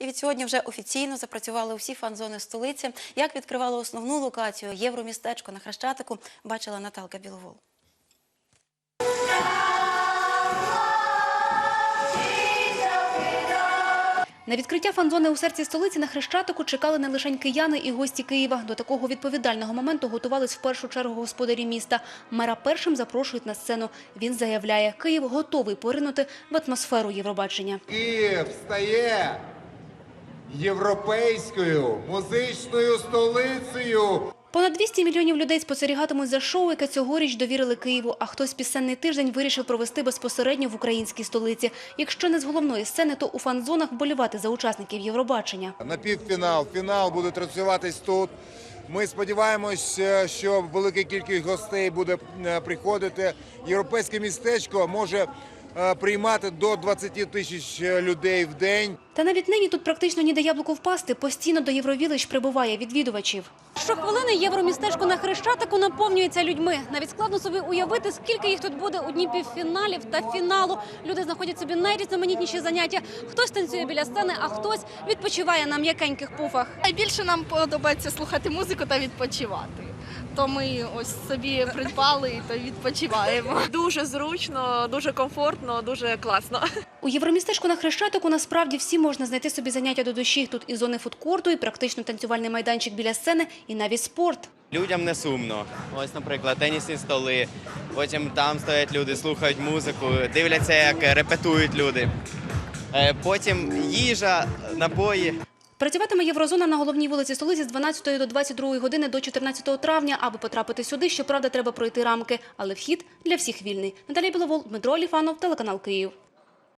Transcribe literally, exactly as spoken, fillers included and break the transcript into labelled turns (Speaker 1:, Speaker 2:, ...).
Speaker 1: І від сьогодні вже офіційно запрацювали усі фан-зони столиці. Як відкривали основну локацію Євромістечко на Хрещатику, бачила Наталка Біловол. На відкриття фан-зони у серці столиці на Хрещатику чекали не лише кияни і гості Києва. До такого відповідального моменту готувались в першу чергу господарі міста. Мера першим запрошують на сцену. Він заявляє, Київ готовий поринути в атмосферу Євробачення.
Speaker 2: Київ стає європейською музичною столицею.
Speaker 1: Понад двісті мільйонів людей спостерігатимуть за шоу, яке цьогоріч довірили Києву. А хтось пісенний тиждень вирішив провести безпосередньо в українській столиці. Якщо не з головної сцени, то у фан-зонах вболівати за учасників Євробачення.
Speaker 2: На півфінал, фінал буде транслюватись тут. Ми сподіваємося, що велика кількість гостей буде приходити. Європейське містечко може приймати до двадцяти тисяч людей в день.
Speaker 1: Та навіть нині тут практично ніде яблуку впасти. Постійно до Євровілищ прибуває відвідувачів. Щохвилини Євромістечко на Хрещатику наповнюється людьми. Навіть складно собі уявити, скільки їх тут буде у дні півфіналів та фіналу. Люди знаходять собі найрізноманітніші заняття. Хтось танцює біля сцени, а хтось відпочиває на м'якеньких пуфах.
Speaker 3: Найбільше нам подобається слухати музику та відпочивати. То ми ось собі придбали та відпочиваємо.
Speaker 4: Дуже зручно, дуже комфортно, дуже класно.
Speaker 1: У Євромістечку на Хрещатику насправді всі можна знайти собі заняття до душі. Тут і зони фудкорту, і практично танцювальний майданчик біля сцени, і навіть спорт.
Speaker 5: Людям не сумно. Ось, наприклад, тенісні столи. Потім там стоять люди, слухають музику, дивляться, як репетують люди. Потім їжа, напої.
Speaker 1: Працюватиме Єврозона на головній вулиці столиці з дванадцятої до двадцять другої години до чотирнадцятого травня. Аби потрапити сюди, щоправда, треба пройти рамки. Але вхід для всіх вільний. Наталія Біловол, Дмитро Оліфанов, телеканал Київ.